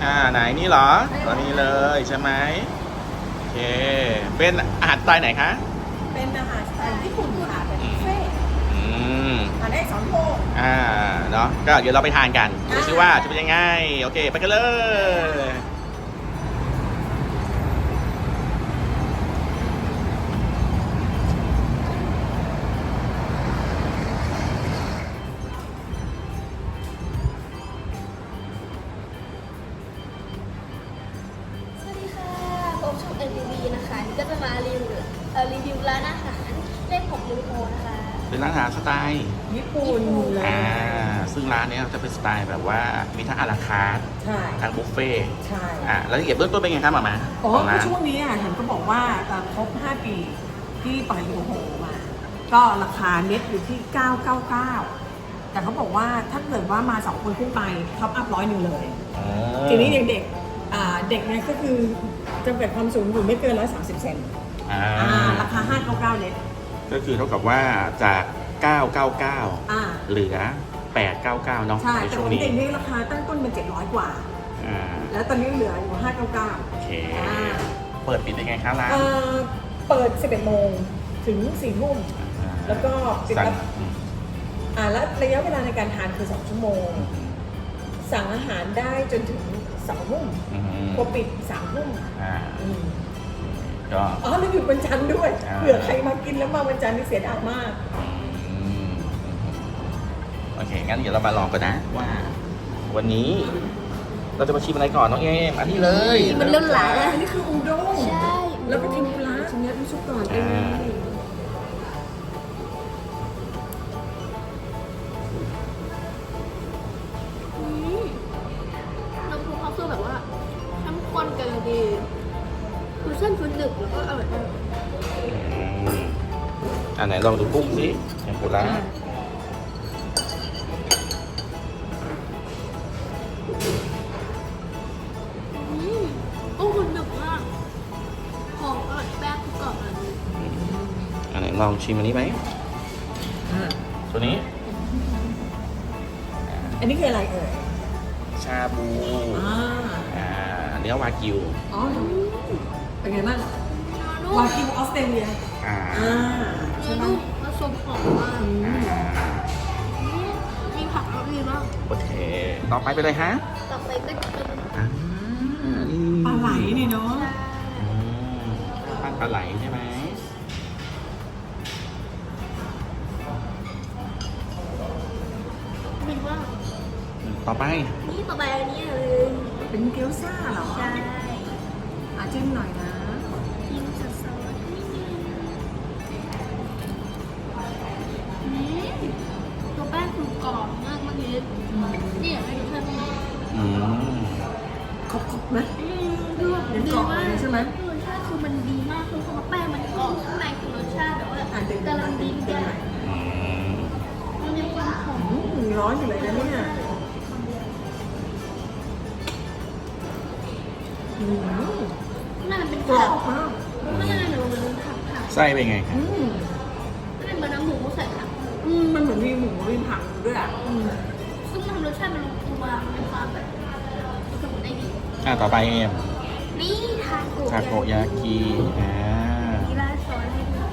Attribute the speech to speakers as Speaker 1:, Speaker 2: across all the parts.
Speaker 1: ไหนนี่เหรอตอนนี้เลยใช่ไหมโอเคเป็นอาหารสไตล์ไหนคะ
Speaker 2: เป็นอาหารสไตล์ญี่ปุ่นค่ะเป็นบุฟเฟ่ต์
Speaker 1: อืม
Speaker 2: ทานได้2 โมง
Speaker 1: เนาะก็เดี๋ยวเราไปทานกันดูซิว่าจะเป็นยังไงโอเคไปกันเลย
Speaker 3: สวัสดีค่ะพบช่อง NTV นะคะนี่ก็จะมารีวิวร้านอาหารเลข6ริวโฮนะคะ
Speaker 1: เป็นร้านอาหารสไตล์
Speaker 2: ญี่ปุ่นเลย
Speaker 1: ซึ่งร้านนี้จะเป็นสไตล์แบบว่ามีทั้งอาราคาร์ท
Speaker 2: ใช่
Speaker 1: ทั้งบุฟเฟ่ต์
Speaker 2: ใช่
Speaker 1: แล้วละเอียดเบื้องต้นเป็นไงครับหมา
Speaker 2: อ๋อ
Speaker 1: ของ
Speaker 2: ก็
Speaker 1: ร้าน
Speaker 2: ช่วงนี้เห็นก็บอกว่าครบ 5 ปีที่ปล่อยยูโฮมา ก็ราคาเน็ตอยู่ที่ 999 แต่เขาบอกว่าถ้าเกิดว่ามา 2 คนขึ้นไปท็อปอัพ100เลย ทีนี้เด็กๆเด็กเนี่ยก็คือจำกัดความสูงอยู่ไม่เกิน130 เซนราคา 599 เน็ต
Speaker 1: ก็คือเท่ากับว่าจาก 999 เหลือ 899 เนาะ
Speaker 2: ใช่
Speaker 1: ใน
Speaker 2: แต่
Speaker 1: ช่ว
Speaker 2: ข
Speaker 1: ง
Speaker 2: อง
Speaker 1: นี้
Speaker 2: เด็กนี่ราคาตั้งต้นเป็น700 กว่า แล้วตอนนี้เหลืออยู่ 599
Speaker 1: โอเค เปิดปิดยังไงครับร้าน
Speaker 2: เปิด 11 โมงถึง 4 ทุ่ม แล้วก็ปิด
Speaker 1: สั่ง
Speaker 2: แล้วระยะเวลาในการทานคือ 2 ชั่วโมง สั่งอาหารได้จนถึง 2 ทุ่มพอปิด 3 ทุ่ม
Speaker 1: ก็
Speaker 2: แล้วหยุดวันจันทร์ด้วย เผื่อใครมากินแล้วมาวันจันทร์นี่เสียดายมาก
Speaker 1: โอเค งั้นเดี๋ยวเรามาลองกันนะว่า วันนี้เราจะมาชิมอะไรก่อนน้องเอมอันนี้เลย
Speaker 3: มันเริ่มหลายแล้ว
Speaker 2: อันนี้คืออุด้ง
Speaker 3: ใช่
Speaker 2: แล้วก็เทมปุระชิ้นนี้น้ำซุปก่อนเป็นไง
Speaker 3: น้ำซุปเขาคือแบบว่าเข้มข้นกำลังดีคือเส้นคือหนึบแล้วก็อร่อยมาก
Speaker 1: อันไหนลองดูกุ้งสิเทมปุระ
Speaker 3: กุ้งคือหนึบมากหอมอร่อยแป้งคือกรอบอันนี้
Speaker 1: อันไหนลองชิมอันนี้ไหมตัวนี้
Speaker 2: อันนี้คืออะไรเอ่ย
Speaker 1: ชาบูเนื้อวากิว
Speaker 2: อ๋อเป็นไงบ้าง
Speaker 3: นุ่
Speaker 2: วาม กิวออสเตรเลีย
Speaker 3: เนื้อนุ่มผสมหอมมากมีผักแล้วดีมาก
Speaker 1: โอเค ต่อไปเป็นอะไรฮะ
Speaker 3: ต่อไปก็จะเป็น
Speaker 2: ปลาไหลนี่เนาะ
Speaker 1: ปั้นปลาไหลใช่ไหม
Speaker 3: ดีมาก
Speaker 1: ต่อไป
Speaker 3: นี่ต่อไปอันนี้เลย
Speaker 2: เป็นเกี๊ยวซ่าเหรอ
Speaker 3: ใช่
Speaker 2: จิ้มหน่อยนะ
Speaker 3: กินซอสตัวแป้งคือกรอบมากเมื่อกี้นี่อยากให้ดูแค่นี้
Speaker 2: ครบไหม
Speaker 3: คือแบบดีมาก
Speaker 2: ใช่ไหม
Speaker 3: รสชาติคือมันดีมากคือแป้งมันกรอบข้างในคือรสชาติแบบว่ากำลังดีแก่มันมีความหอม
Speaker 2: ร้อนอยู่เลยนะเนี่ย
Speaker 3: น่าจะเป็น
Speaker 2: กร
Speaker 3: ผั
Speaker 2: อก บมาก
Speaker 3: น่าจะเป็นผัก
Speaker 1: ไส้เป็นไงครับ
Speaker 3: เป็นเหมือนน้ำหมูใส่ผัก
Speaker 2: มันเหมือนมีหมูมีผักด้วยอ่ะ
Speaker 3: ซึ่งมันทำรสชาติมันลงตัวมันมีความแบบสมุนได้ดี
Speaker 1: ต่อไปเอม
Speaker 3: นี่ทาโก
Speaker 1: ทาโกยากิ
Speaker 3: มีราดซอสให้ด้วย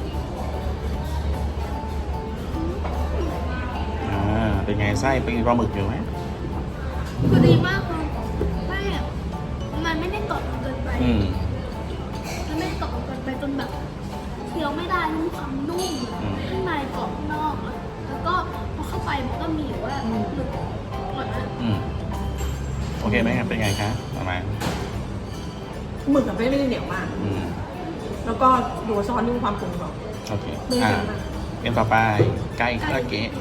Speaker 1: เป็นไงไส้เป็นปลาหมึกอยู่ไหม
Speaker 3: คือดีมากคือแป้งมันไม่ได้กรอบจนเกินไปมันไม่ได้กรอบจนเกินไปจนแบบเคี้ยวไม่ได้มันมีความนุ่มข้างในกรอบข้างนอกแล้วก็พอเข้าไปมันก็มีแบบว่าหนึบอร่อยมาก
Speaker 1: โอเคไหมครับเป็นไงคะประมาณ
Speaker 2: หมึกกับไม่ได้เหนียวมาก แล้วก็ตัวซอสนี่มีความกลมกล่อม
Speaker 1: โอเค
Speaker 2: ไม่ได้เค็มมาก
Speaker 1: เป็นต่อไปไก่คาราเกะ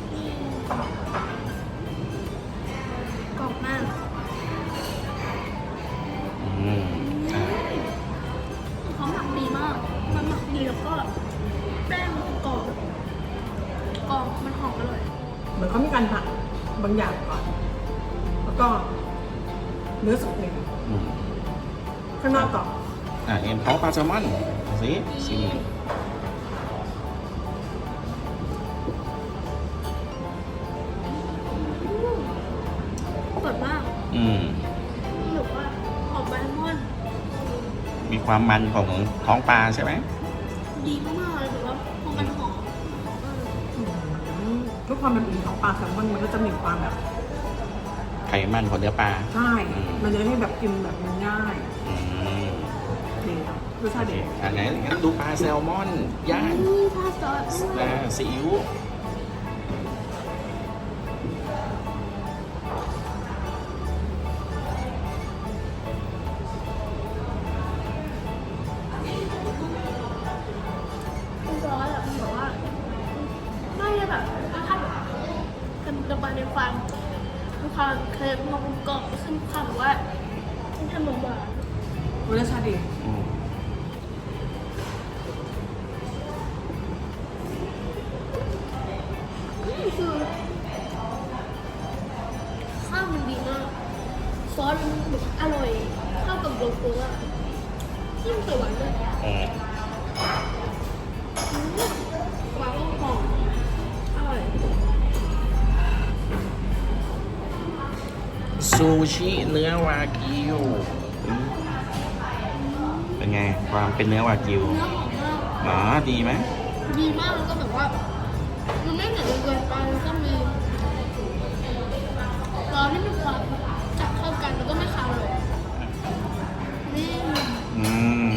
Speaker 3: กรอบมากเขาหมักดีมากมันหมักดีแล้วก็แป้งมันกรอบมันหอมอร่อย
Speaker 2: เหมือนเขามีการผัดบางอย่างก่อน แล้วก็เนื้อสุกเนี่ยข้างนอกกรอบ
Speaker 1: เอ็มเขาปลาแซลมอนสิชิม
Speaker 3: สดมาก
Speaker 1: อืมความมันของท้องปลาใช่ไหม
Speaker 3: ดีมากๆเลยแบบว่าพอมันหอมมากเลย
Speaker 2: ทุกความเป็นอุ่นของปลาแซลมอนมันก็จะมีความแบบ
Speaker 1: ไขมันของเนื้อปลา
Speaker 2: ใช่ มันจะให้แบบกินแบบมันง่าย
Speaker 1: อืม
Speaker 2: ดีครับรส
Speaker 1: โอ
Speaker 2: ชาติ
Speaker 1: เค
Speaker 2: ดี
Speaker 1: งั้นดูปลาแซลมอนย่าง
Speaker 3: นี่ถ้าซอส
Speaker 1: ซีอิ๊ว
Speaker 3: ซอสอะมันแบบว่าไม่ได้แบบรสชาติแบบเค็มกระบาในความมีความเค็มความกรอบซึ่งความแบบว่าทำหวาน
Speaker 2: รสชาติดี
Speaker 1: อืม
Speaker 3: นี่คือข้าวมันดีมากซอสมันแบบอร่อยเข้ากับโลโก้อะยิ่งสวยเลย
Speaker 1: อืม
Speaker 3: หวานหอมอร่อย
Speaker 1: ซูชิเนื้อวากิวอืมเป็นไง ความเป็นเนื้อวากิว
Speaker 3: เนื้อหอมมาก
Speaker 1: หนาดีไหม
Speaker 3: ดีมากแล้วก็แบบว่ามันไม่เหนียวเกินไปแล้วก็มีซอสที่มีความจับเข้ากันแล้วก็ไม่คาวเลยนี่
Speaker 1: อืม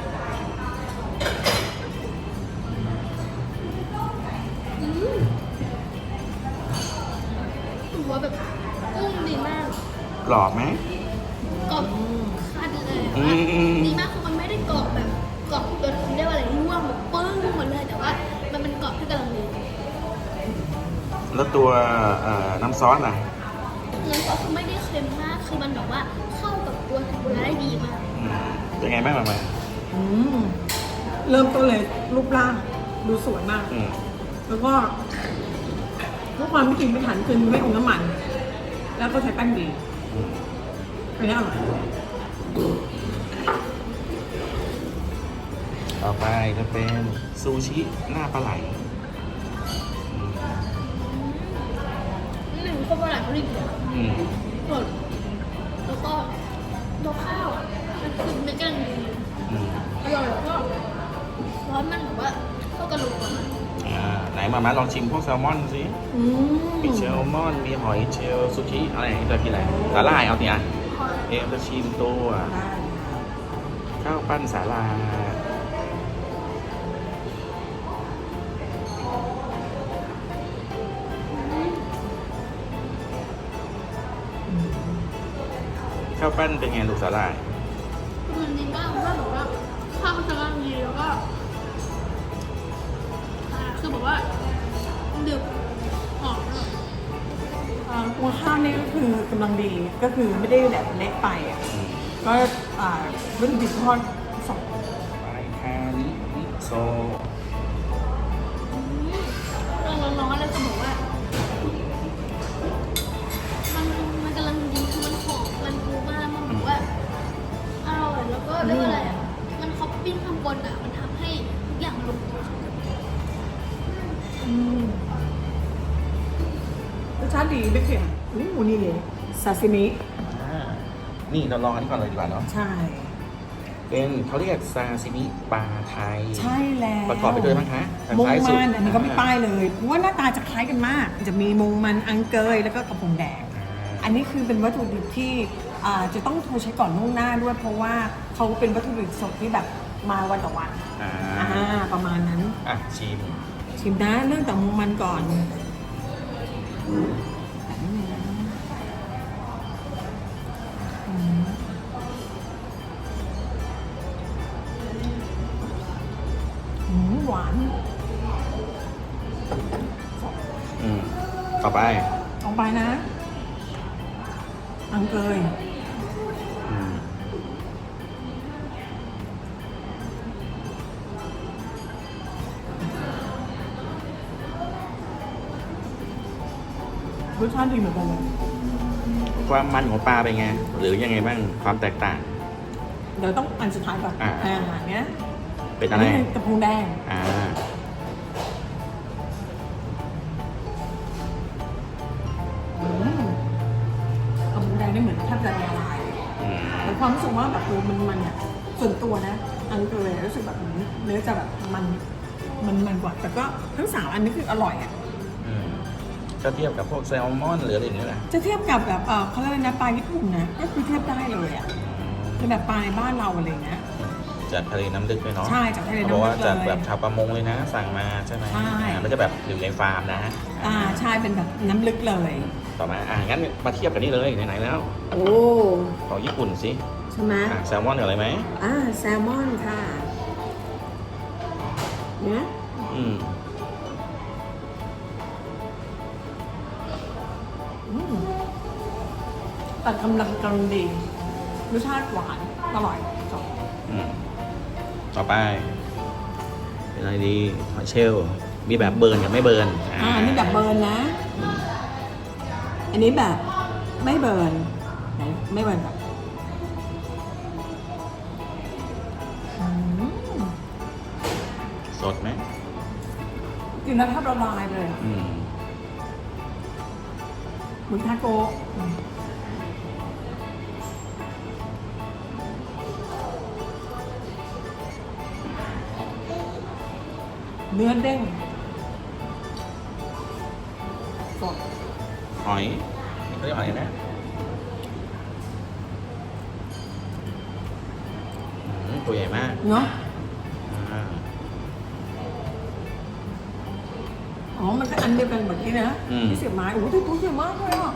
Speaker 3: หัวแบบกุ้งดีมาก
Speaker 1: กรอบไหม
Speaker 3: กรอบคันเลย
Speaker 1: อืม
Speaker 3: ดีมากคือมันไม่ได้กรอบแบบกรอบจนเรียกว่าอะไรร่วงแบบปึ้งหมดเลยแต่ว่ามันเป็นกรอบที่กำลังดี
Speaker 1: แล้วตัวน้ำซอสล่ะ
Speaker 3: เนื้อซอสคือไม่ได้เค็มมากคือมันแบบว่าเข้ากับตัวเทมปุระได้ดีมาก
Speaker 1: อืมเป็นไงบ้างมา
Speaker 2: อืมเริ่มต้นเลยรูปร่างดูสวยมาก
Speaker 1: อืม
Speaker 2: แล้วก็ทุกความไม่กินไม่ทันคือไม่อมน้ำมัน แล้วก็ใช้แป้งดี
Speaker 1: อืม
Speaker 2: อันนี้อร่อย
Speaker 1: ต่อไปจะเป็นซูชิหน้าปลาไหล
Speaker 3: หนึ่งข้าวปลาไหลเขาดีมาก
Speaker 1: อืม
Speaker 3: สดแล้วก็ตัวข้าวมันคือไม่กำลังดี
Speaker 1: อืม
Speaker 3: อร่อยแล้วก็ร้อนมันแบบว่าเข้ากันลงตัว
Speaker 1: ไหนมาลองชิมพวกแซลมอนสิ
Speaker 2: อืม
Speaker 1: มีแซลมอน มีหอยเชลล์ซูชิอะไรจะกินอะไรสาหร่ายเอาสิอ่ะเอ็มจะชิมตัว
Speaker 2: ได้
Speaker 1: ข้าวปั้นสาหร่ายข้าวปั้นเป็นไงลูกสาหร่าย
Speaker 3: มันดีมากเพราะแบบว่าข้าวมันกำลังดีแล้วก็คือแบบว่าดึกหอมอร่อย
Speaker 2: ตัวข้าวนี่ก็คือกำลังดีก็คือไม่ได้แบบเล็กไปอ่ะ
Speaker 1: อืม
Speaker 2: ก็วัตถุดิบทอดสอง
Speaker 1: ไปคาริมิโซ
Speaker 3: ร้อนๆแล้วจะบอกว่ามันกำลังดีคือมันหอมมันฟูมากมันแบบว่าอร่อยแล้วก็เรียกว่าอะไรอ่ะมันท็อปปิ้งข้างบนอ่ะมันทำให้ทุกอย่างลงตัว
Speaker 2: อืมรสชาติดีไม่เค็มนี่เลยซาซิมิ
Speaker 1: นี่เราลองอันนี้ก่อนเลยดีกว่าเนาะ
Speaker 2: ใช่
Speaker 1: เป็นเขาเรียกซาซิมิปลาไทย
Speaker 2: ใช่แล้ว
Speaker 1: ประกอบไปด้วยมั้งคะทาง
Speaker 2: มง
Speaker 1: ซ้ายสุด
Speaker 2: มันอันนี้ก็ไม่ป้ายเลยเพราะว่าหน้าตาจะคล้ายกันมาก จะมีมงมันอังเกยแล้วก็กระพงแดง อันนี้คือเป็นวัตถุดิบที่จะต้องโทรใช้ก่อนล่วงหน้าด้วย เพราะว่าเขาเป็นวัตถุดิบสดที่แบบมาวันต่อวัน
Speaker 1: อ่า
Speaker 2: ประมาณนั้น
Speaker 1: อ่ะชิม
Speaker 2: ชิมนะเรื่องแต่มงมันก่อนหวาน
Speaker 1: ต่อไป
Speaker 2: ออกไปนะ อังเกย
Speaker 1: อืม
Speaker 2: รสชาติดีเหมือนกันเลย
Speaker 1: ความมันของปลาเป็นไง หรือยังไงบ้างความแตกต่าง
Speaker 2: เดี๋ยวต้องอันสุดท้ายก่อน เนี้ย
Speaker 1: เป็นอะไร
Speaker 2: กระพงแดง
Speaker 1: อ่า
Speaker 2: กระพงแดงนี่เหมือนแทบจะละลาย
Speaker 1: อืม
Speaker 2: แต่ความรู้สึกว่าแบบมันเนี่ยส่วนตัวนะอันตัวเลยรู้สึกแบบเนื้อจะแบบมันกว่าแต่ก็ทั้ง3อันนี้คืออร่อยอ่ะ
Speaker 1: ก็เทียบกับพวกแซลมอนหรืออะไรอย่างเงี้ยนะ
Speaker 2: จะเทียบกับแบบเขาเรียกอะไรนะปลาญี่ปุ่นนะก็คือเทียบได้เลยอ่ะคือแบบปลาในบ้านเราอะไรเงี้ย
Speaker 1: จากทะเลน้ำลึกเลยเนาะ
Speaker 2: ใช่จากทะเลน้ำลึก
Speaker 1: เพราะว่าจาก
Speaker 2: เลย
Speaker 1: แบบชาวประมงเลยนะ สั่งมาใช่ไหม
Speaker 2: ใช่
Speaker 1: ไม่ใช่แบบอยู่ในฟาร์มนะ
Speaker 2: ใช่เป็นแบบน้ำลึกเลย
Speaker 1: ต่อมางั้นมาเทียบกันนี่เลยไหนๆแล้ว
Speaker 2: โอ้
Speaker 1: ของญี่ปุ่นสิ
Speaker 2: ใช่ไหม
Speaker 1: แซลมอนกับอะไรไหม
Speaker 2: แซลมอนค่ะเนี่ย
Speaker 1: อืม
Speaker 2: แต่กำลังดีรสชาติหวานอร่อยจบ
Speaker 1: ต่อไปเป็นอะไรดีหอยเชลล์มีแบบเบิร์นกับไม่เบิร์น
Speaker 2: อันนี้แบบเบิร์นนะ อันนี้แบบไม่เบิร์นไหนไม่เบิร์นแบบ
Speaker 1: สดไหม
Speaker 2: กินแล้วแทบละลายเลย เหมือนทาโกะเนื้อเด้งสด
Speaker 1: หอยนี่เขาเรียกหอยอะไรนะตัวใหญ่มาก
Speaker 2: เนาะ
Speaker 1: อ่า
Speaker 2: อ๋อ มันก็อันเดียวกันแบบนี้นะที่เสียบไม้โอ้โหตัวใหญ่มากเลยอ่ะ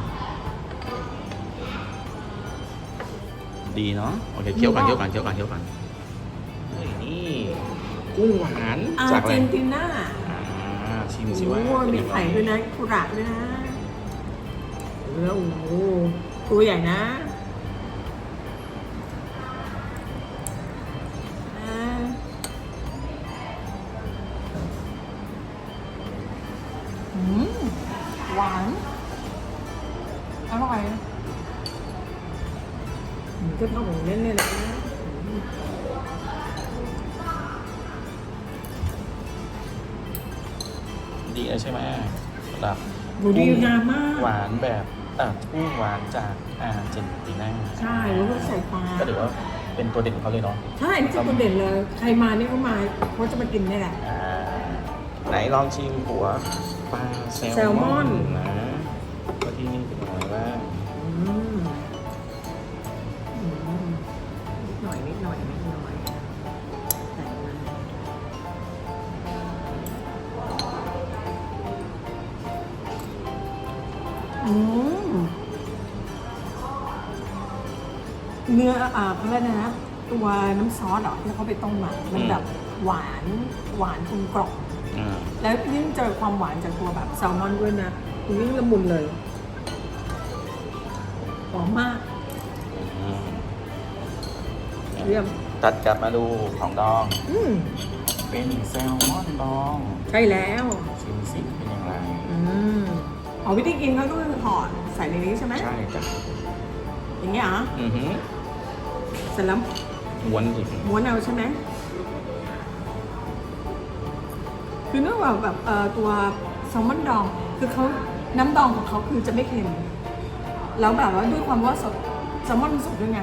Speaker 1: ดีเนาะโอเคเคี้ยวก่อนเฮ้ยนี่กุ้งหวาน
Speaker 2: อา
Speaker 1: จาก
Speaker 2: ร์
Speaker 1: อะไร
Speaker 2: เจนตินา
Speaker 1: ชิม
Speaker 2: โอ้
Speaker 1: สิ
Speaker 2: โห
Speaker 1: ว่าเป็น
Speaker 2: มี
Speaker 1: ยังไง
Speaker 2: ไข่ด้วยนะคุระด้วยนะแล้วโอ้โหตัวใหญ่นะหวานอร่อยก็เท่าของเล่นเลยนะ
Speaker 1: ดีเลยใช่ไหมสำหรับ
Speaker 2: ดูดีงามมาก
Speaker 1: หวานแบบกุ้งหวานจากอาร์เจนตินา
Speaker 2: ใช่แล้วก็ใส่ปลา
Speaker 1: ก็ถือว่าเป็นตัวเด่นของเขาเลยเนาะ
Speaker 2: ใช่นี่คือคนเด่นเลย ใครมานี่เขามาเขาจะมากินนี่แหละ
Speaker 1: ไหนลองชิมหัวปลาแซ
Speaker 2: แซลมอน
Speaker 1: นะว่าที่นี่เป็นยังไงบ้าง
Speaker 2: นิดหน่อยใส่มาเนื้อเขาเรียกนะ ตัวน้ำซอสที่เขาไปต้มมามันแบบหวานกลมกล่อมแล้วยิ่งเจอความหวานจากตัวแบบแซลมอนด้วยนะยิ่งละมุนเลยหอมมากเยี่ยม
Speaker 1: ตัดกลับมาดูของดอง
Speaker 2: เป็น
Speaker 1: แซลมอนดอง
Speaker 2: ใช่แล้ว
Speaker 1: ชิมสิเป็นยังไง
Speaker 2: วิธีกินเขาก็คือห่อใส่ในนี้ใช่ไหม
Speaker 1: ใช่จ้ะ
Speaker 2: อย่างเงี้ยเหรอเสร็จแล้ว
Speaker 1: ม้วนสิ
Speaker 2: ม้วนเอาใช่ไหมคือเนื่องจากแบบตัวแซลมอนดองคือเขาน้ำดองของเขาคือจะไม่เค็มแล้วแบบว่าด้วยความว่าสดแซลมอนมันสดด้วยไง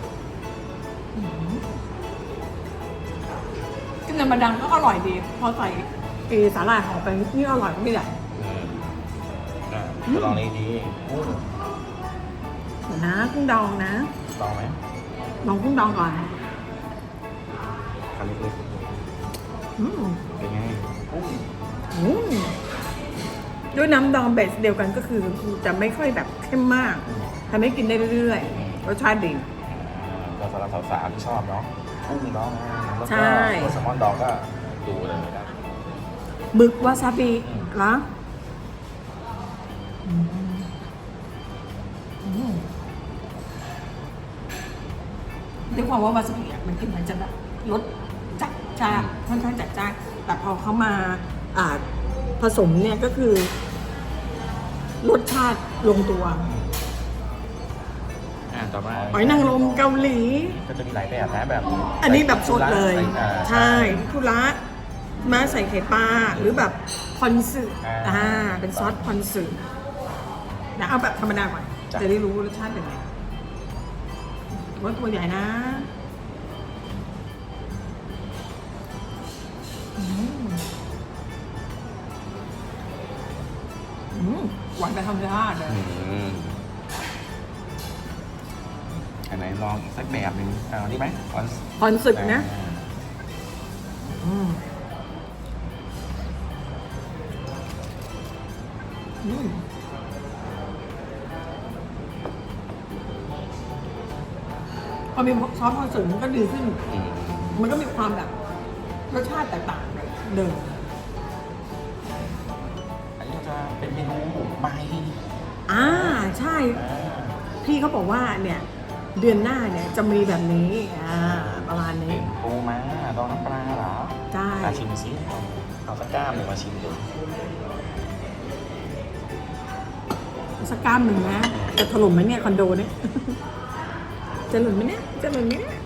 Speaker 2: กินธรรมดาก็อร่อยดีพอใส่สาหร่ายหอมไปนี่อร่อยก็ไม่ได้
Speaker 1: จะลองนี้ดีกุ้ง
Speaker 2: เดี๋ยวนะกุ้งดองนะ
Speaker 1: ลองไหม
Speaker 2: ลองกุ้งดองก่อน
Speaker 1: คำนี้เป็นไงกุ้ง
Speaker 2: ด้วยน้ำดองเบสเดียวกันก็คือจะไม่ค่อยแบบเข้มมากทำให้กินได้เรื่อยๆรสชาติดี
Speaker 1: ก็สำหรับสาวๆที่ชอบเนาะกุ้งดองแล้ว
Speaker 2: ใช่
Speaker 1: ก็ตัวแซลมอนดองก็ดูเลยนะ
Speaker 2: หมึกวาซาบิเหรอด้วยความว่าวาซาบิมันกินมันจะแบบรสจัดจ้านค่อนข้างจัดจ้านแต่พอเขามาผสมเนี่ยก็คือรสชาติลงตัว
Speaker 1: ต่อมา
Speaker 2: หอยนางรมเกาหลี
Speaker 1: ก็จะมีหลายแบบนะแบบ
Speaker 2: อันนี้แบบสดเลย
Speaker 1: ใช่
Speaker 2: ใช่คุระมาใส่ไข่ปลาหรือแบบคอนสึเป็นซอสคอนสึนะเอาแบบธรรมดาก่อนจะได้รู้รสชาติเป็นไงว่าตัวใหญ่นะหวานไปธรรมชาติเลย
Speaker 1: อันไหนลองอีกสักแบบหนึ่งเอานี่ไหมคอน
Speaker 2: คอนสึกนะพอมีซอสคอนสึกมันก็ดีขึ้น มันก็มีความแบบรสชาติแตกต่างจากเดิม
Speaker 1: อันนี้จะเป็นเมนูใบ
Speaker 2: ใช่ พี่เขาบอกว่าเนี่ยเดือนหน้าเนี่ยจะมีแบบนี้ประมาณนี้
Speaker 1: เป็นปูม้าดองน้ำปลาเหรอ
Speaker 2: ใช่
Speaker 1: ชิมซิเอาสักก้ามหนึ่งมาชิมดู
Speaker 2: สักก้ามหนึ่งนะจะถล่มไหมเนี่ยคอนโดเนี่ย จะหล่นไหมเนี่ยจะหล่นไหมเนี่ย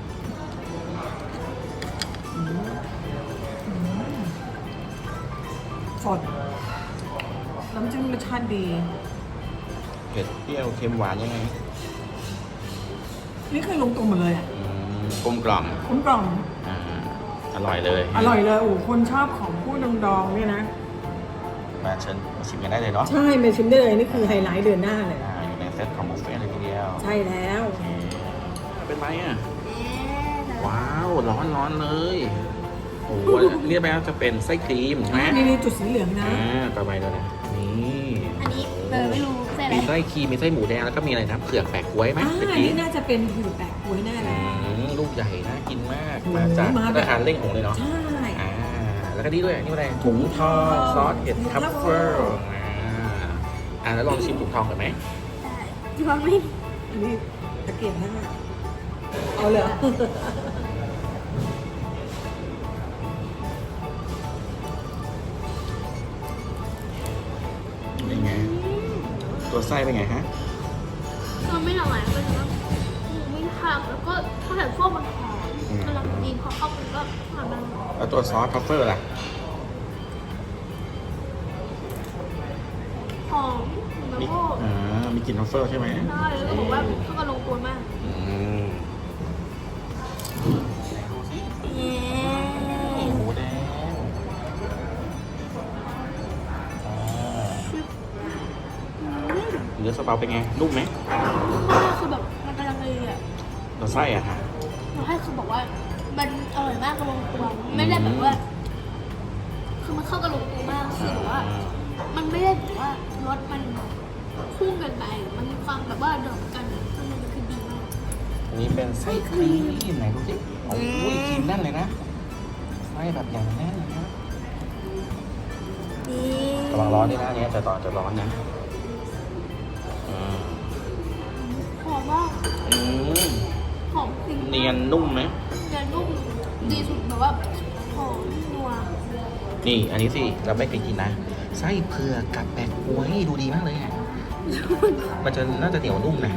Speaker 2: สดน้ำจิ้มรสชาติดี
Speaker 1: เผ็ดเปรี้ยวเค็มหวานยังไง
Speaker 2: นี่คือลงตัวหมดเลยอ่ะ
Speaker 1: กลมกล่อม
Speaker 2: กลมกล่อม
Speaker 1: อร่อยเลย
Speaker 2: อร่อยเลยโอ้คนชอบของผู้ดองๆเนี่ยนะ
Speaker 1: มาเชิญมาชิมกันได้เลยเนาะ
Speaker 2: ใช่ไปชิมได้เลยนี่คือไฮไลท์เดือนหน้าเลย
Speaker 1: อยู่ในเซตของบุฟเฟ่ต์เลยทีเดียว
Speaker 2: ใช่แล้ว
Speaker 1: เป็นไหมอ่ะ ว้าวร้อนร้อนเลยโอ้โหเรียกไปว่าจะเป็นไส้ครีมใช่ไหม
Speaker 2: นี่จุดสีเหลืองนะ
Speaker 1: ต่อไปเลยนะนี่
Speaker 3: อันนี้ไม่รู้ใช่ไหม
Speaker 1: มีไส้ครีมมีไส้หมูแดงแล้วก็มีอะไรนะเผือกแปะกล้วยไหมเมื่อกี้
Speaker 2: นี่น่าจะเป็นผือแปะกล้วยแน่เลย
Speaker 1: ลูกใหญ่น่ากินมาก
Speaker 2: โอ้โห
Speaker 1: มาจาก
Speaker 2: มาแบบ
Speaker 1: ธนาคารเล่งหงเลยเนาะ
Speaker 2: ใช่
Speaker 1: แล้วก็นี่ด้วยนี่อะไรถุงทองซอสเห็ดทัฟเฟิลแล้วลองชิมถุงทองก่อนไหม
Speaker 3: ได้ที่ว่าไม่
Speaker 2: อันนี้ตะเกียบหน้าเอาเลยเหรอ
Speaker 1: เป็นไงตัวไส้เป็นไงฮะ
Speaker 3: ก็ไม่อร่อยเป็นว่าหมูไม่ทำแล้วก็ถ้าแต่พวกมันหอมกำลังดีพอเข้ากันก็ทำมัน
Speaker 1: แล้วตัวซอสทัฟเฟิลล่ะ
Speaker 3: หอมแล้วก็
Speaker 1: มีกลิ่นทัฟเฟิลใช่ไหม
Speaker 3: ได้แล้วก็บอกว่าเข้ากันลงตัวมาก
Speaker 1: หมูแดงเนื้อสเปาเป็นไงนุ่มไหม
Speaker 3: คือแบบมันกำลังดีอ่ะ
Speaker 1: ตัวไส้อะฮะ
Speaker 3: เราให้คือบอกว่ามันอร่อยมากกำลังตัวไม่ได้แบบว่า คือมันเข้ากันลงตัวมากคือแบบว่า มันไม่ได้แบบว่ารสมันคู่กันไปมันมีความแบบว่าเดิมกันมันคือดีมาก
Speaker 1: อันนี้เป็นไส้ครีมไหนดูสิโอ้ยครีมแน่นเลยนะไส้แบบอย่างแน่นเลยนะ
Speaker 3: ดี
Speaker 1: ระวังร้อนด้วยนะเนี่ยจะต่อจะร้อนนะ
Speaker 3: หอมมาก หอมจริง
Speaker 1: เนียนนุ่มไหม
Speaker 3: เนียนนุ่มดีสุดแบบว่าหอมนัว
Speaker 1: นี่อันนี้สิเราไม่เคยกินนะไส้เผือกกับแปะกล้วยดูดีมากเลยอ่ะมันจะน่าจะเหนียวนุ่มนะ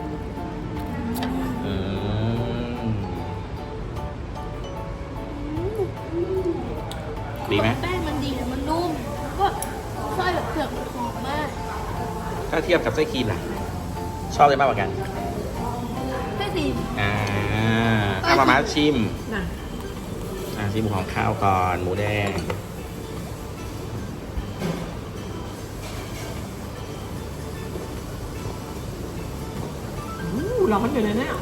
Speaker 1: ดีไหม
Speaker 3: แป้งมันดีมันนุ่มแล้วก็ไส้แบบเผือกมันหอมมาก
Speaker 1: ถ้าเทียบกับไส้ครีมล่ะ ชอบเลยมากกว่ากัน
Speaker 3: ไส้สี
Speaker 1: มาชิม
Speaker 2: น่ะ
Speaker 1: ชิมหมูของข้าวก่อนหมูแดง
Speaker 2: ร้อนอยู่เลยเนี่ย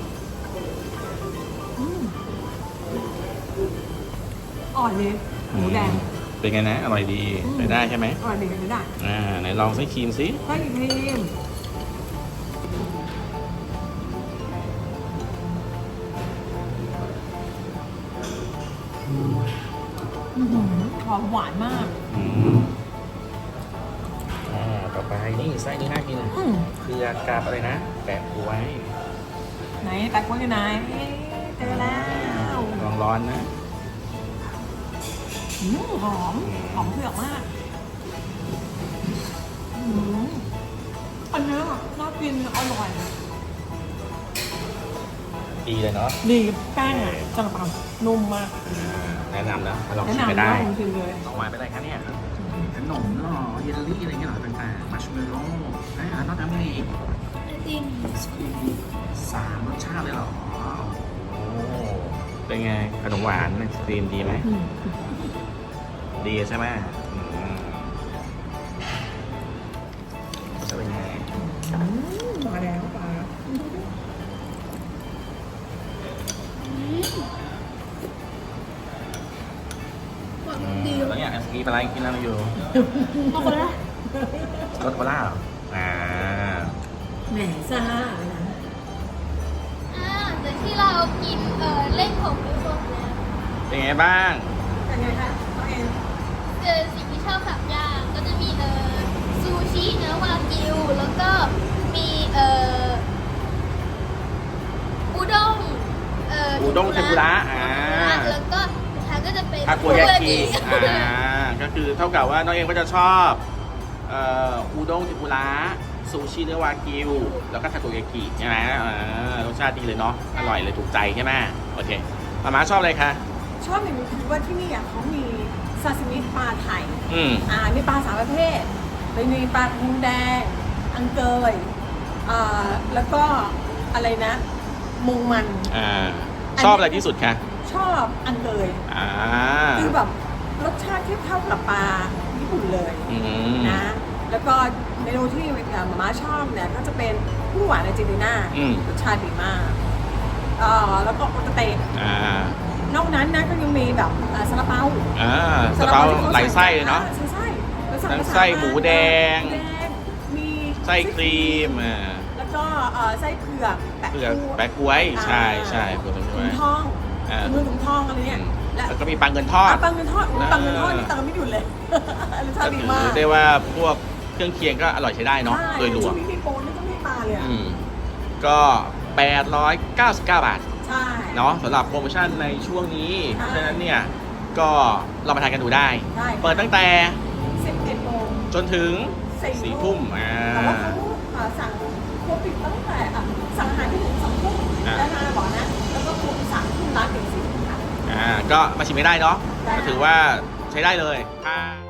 Speaker 2: อ่อนดีหมูแดง
Speaker 1: เป็นไงนะอร่อยดีไปได้ใช่ไหม
Speaker 2: อร่อยดีกันไม่ได้
Speaker 1: ไหนลองไส้ครีมสิ
Speaker 2: ไส้ครีมหอมหวานมาก
Speaker 1: ต่อไปนี่ไส้นี่น่ากินเผือกกับอะไรนะแปะกล้วย
Speaker 2: ไหนแปะกล้วยอยู่ไหนเจอแล้ว
Speaker 1: ลองร้อนนะ
Speaker 2: หอมเผือกมากอันนี้น่ากินอร่อย
Speaker 1: ดีเลยเนาะ
Speaker 2: ดีแป้งอ่ะจังปังนุ่มมาก
Speaker 1: แนะนำนะลอง
Speaker 2: แนะ
Speaker 1: ชิมไป
Speaker 2: นำ
Speaker 1: ได้
Speaker 2: ว่าจริงๆเลย
Speaker 1: ออกมาเป็นอะไรคะเนี่ยขนมหรอเยลลี่อะไรเงี้ยหรอต่างๆมัชเมลโล่แล้วนอกจากนี้อีก
Speaker 3: ไอติม
Speaker 1: 3 รสชาติเลยเหรอโอ้เป็นไงขนมหวานไอศครีมดีไหมดีใช่ไหมจะเป็นไง
Speaker 2: มาแล้วปลา
Speaker 3: ดี
Speaker 1: แล้วเนี่ยไอศครีมอะไรกินอะไรอยู่
Speaker 3: เอาคนละ
Speaker 1: รสโคล่าเหรอ
Speaker 2: แหมซ่าเลยนะ
Speaker 3: แต่ที่เรากินเล่นของไปพวกนี้
Speaker 1: เป็นไงบ้าง
Speaker 2: เป็นไงคะน้องเอ็น
Speaker 3: สิ่งที่ชอบ3อย่างก็จะมีซูชิเนื้อวากิวแล้วก็มีอุด้ง
Speaker 1: อุด้งเทมปุระ
Speaker 3: แล้วก็สุดท้ายก็จะเป็น
Speaker 1: ทาโกยากิก็คือเท่ากับว่าน้องเองก็จะชอบอุด้งเทมปุระซูชิเนื้อวากิวแล้วก็ทาโกยากิใช่ไหมรสชาติดีเลยเนาะอร่อยเลยถูกใจใช่ไหมโอเคมาชอบอะไรคะ
Speaker 2: ชอบอย่างนี้คือว่าที่นี่อ่ะเขามีซาซิมิปลาไทย มีปลา3ประเภทมีปลาทูแดงอังเกยแล้วก็อะไรนะมุงมัน
Speaker 1: ชอบอะไรที่สุดคะ
Speaker 2: ชอบอังเกยคือแบบรสชาติเทียบเท่ากับปลาญี่ปุ่นเลยนะแล้วก็เมนูที่มาม่าชอบเนี่ยก็จะเป็นผู้หวานอาร์เจนตินารสชาติดีมากแล้วก็โอตาเตะนอกนั้นนะก็ยังมีแบบซาลาเปา
Speaker 1: ซาลาเปาหลายไส้เลยเนาะทั้งไส้หมูแดง
Speaker 2: มี
Speaker 1: ไส้ครีม
Speaker 2: แล้วก็ไส้เผือก
Speaker 1: แปะกล้วยใช่เผือกถุง
Speaker 2: ทองถุงทองอะไรเนี่ย
Speaker 1: แล้วก็มีปังเงินทอด
Speaker 2: ปังเงินทอดนี่ตังไม่หยุดเลยรสชาติดีมาก
Speaker 1: ได้ว่าพวกเครื่องเคียงก็อร่อยใช้ได้เนาะโดยรวม
Speaker 2: มีโปรนี่ก็ไม่มาเลย
Speaker 1: ก็899 บาท
Speaker 2: ใช่
Speaker 1: เนาะสำหรับโปรโมชั่นในช่วงนี้เพราะฉะนั้นเนี่ยก็เรามาทานกันดูได้เปิดตั้งแต่
Speaker 2: 11 โมง
Speaker 1: จนถึง4 ทุ่ม
Speaker 2: แต่ว่าเขาสั่งครบปิดตั้งแต่สั่งอาหารที่ถึง2 ทุ่มแล้วมาบอกนะแล้วก็ครบ3 ทุ่มร้านถึง4 ทุ่มค่ะ
Speaker 1: ก็มาชิมไม่ได้เนาะถือว่าใช้ได้เลย